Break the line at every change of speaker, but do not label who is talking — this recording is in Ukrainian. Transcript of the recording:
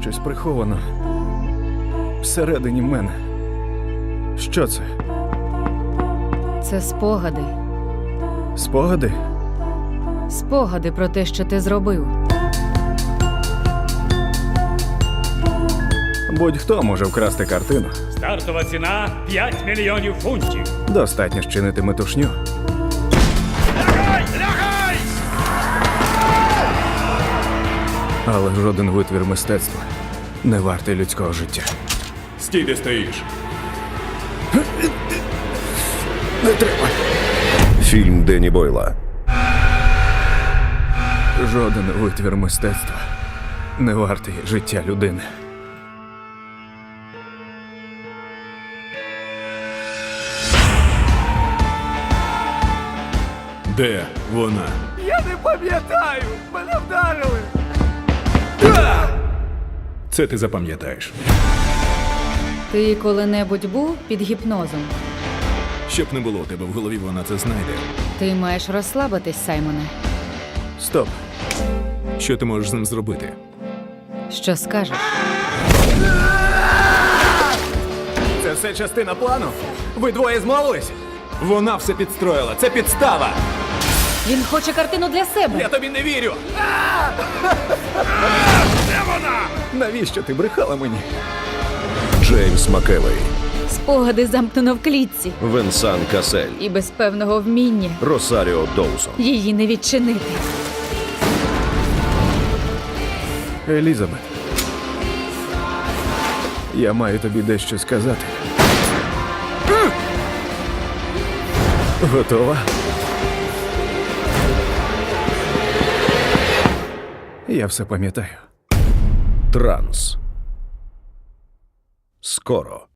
щось приховано всередині мене. Що це?
Це спогади.
Спогади?
Спогади про те, що ти зробив.
Будь-хто може вкрасти картину.
Стартова ціна 5 мільйонів фунтів.
Достатньо щинити метушню.
Лягай! Лягай!
Але жоден витвір мистецтва не вартий людського життя.
Стій, де стоїш.
Не треба.
Фільм Денні Бойла.
Жоден витвір мистецтва не вартий життя людини.
Де вона?
Я не пам'ятаю! Мене вдарили!
Це ти запам'ятаєш.
Ти коли-небудь був під гіпнозом?
Щоб не було у тебе в голові, вона це знайде.
Ти маєш розслабитись, Саймоне.
Стоп.
Що ти можеш з ним зробити?
Що скажеш?
Це все частина плану? Ви двоє змовились?
Вона все підстроїла. Це підстава!
Він хоче картину для себе.
Я тобі не вірю!
Де вона?
Навіщо ти брехала мені?
Джеймс Макевей.
Спогади замкнено в клітці.
Венсан Касель.
І без певного вміння
Росаріо Доусон.
її не відчинити.
Елізабет. Я маю тобі дещо сказати. Готова? Я все пам'ятаю.
Транс. Скоро.